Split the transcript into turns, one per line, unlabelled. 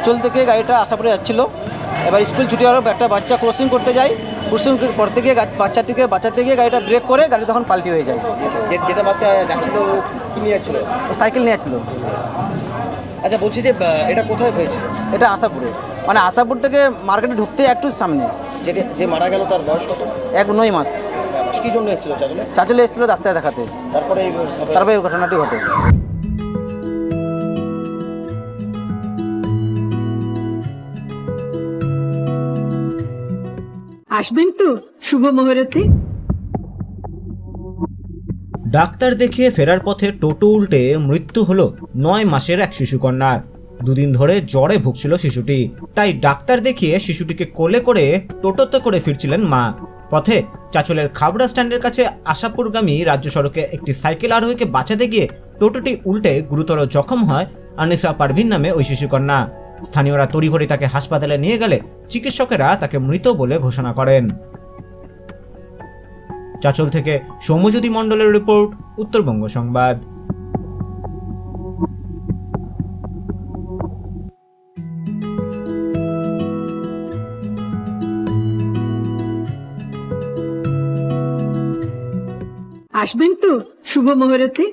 চাঁচল থেকে গাড়িটা আশাপুরে যাচ্ছিল। এবার স্কুল ছুটি হওয়ার একটা বাচ্চা ক্রসিং করতে যায়, ক্রসিং করতে গিয়ে বাচ্চাটিকে গাড়িটা ব্রেক করে গাড়ি তখন পাল্টি হয়ে যায়।
যেটা বাচ্চা যাচ্ছিল ও কি নিয়ে যাচ্ছিল?
ও সাইকেল নিয়ে যাচ্ছিল।
আচ্ছা, বলছি যে এটা কোথায় হয়েছিল?
এটা আশাপুরে, মানে আশাপুর থেকে মার্কেটে ঢুকতে একটু সামনে।
যে মারা গেল তার বয়স কত?
9 মাস।
কি জন্য এসেছিল চাচলে?
চাঁচলে এসেছিল ডাক্তার দেখাতে,
তারপরে
তারপরে এই ঘটনাটি ঘটে।
আসবেন তো শুভ মুহূর্তে।
ডাক্তার দেখিয়ে ফেরার পথে টোটো উল্টে মৃত্যু হলো 9 মাসের এক শিশুকন্যার। দুদিন ধরে জ্বরে ভুগছিল শিশুটি, তাই ডাক্তার দেখিয়ে শিশুটিকে কোলে করে টোটোতে করে ফিরছিলেন মা। পথে চাঁচলের খাবড়া স্ট্যান্ডের কাছে আশাপুরগামী রাজ্য সড়কে একটি সাইকেল আরোহীকে বাঁচাতে গিয়ে টোটোটি উল্টে গুরুতর জখম হয় আনিসা পারভিন নামে ওই শিশুকন্যা। স্থানীয়রা তড়িঘড়ি তাকে হাসপাতালে নিয়ে গেলে চিকিৎসকেরা তাকে মৃত বলে ঘোষণা করেন। চাঁচল থেকে সৌম্যজ্যোতি মণ্ডলের রিপোর্ট, উত্তরবঙ্গ সংবাদ।
আসবেন তো শুভ মুহূর্তে।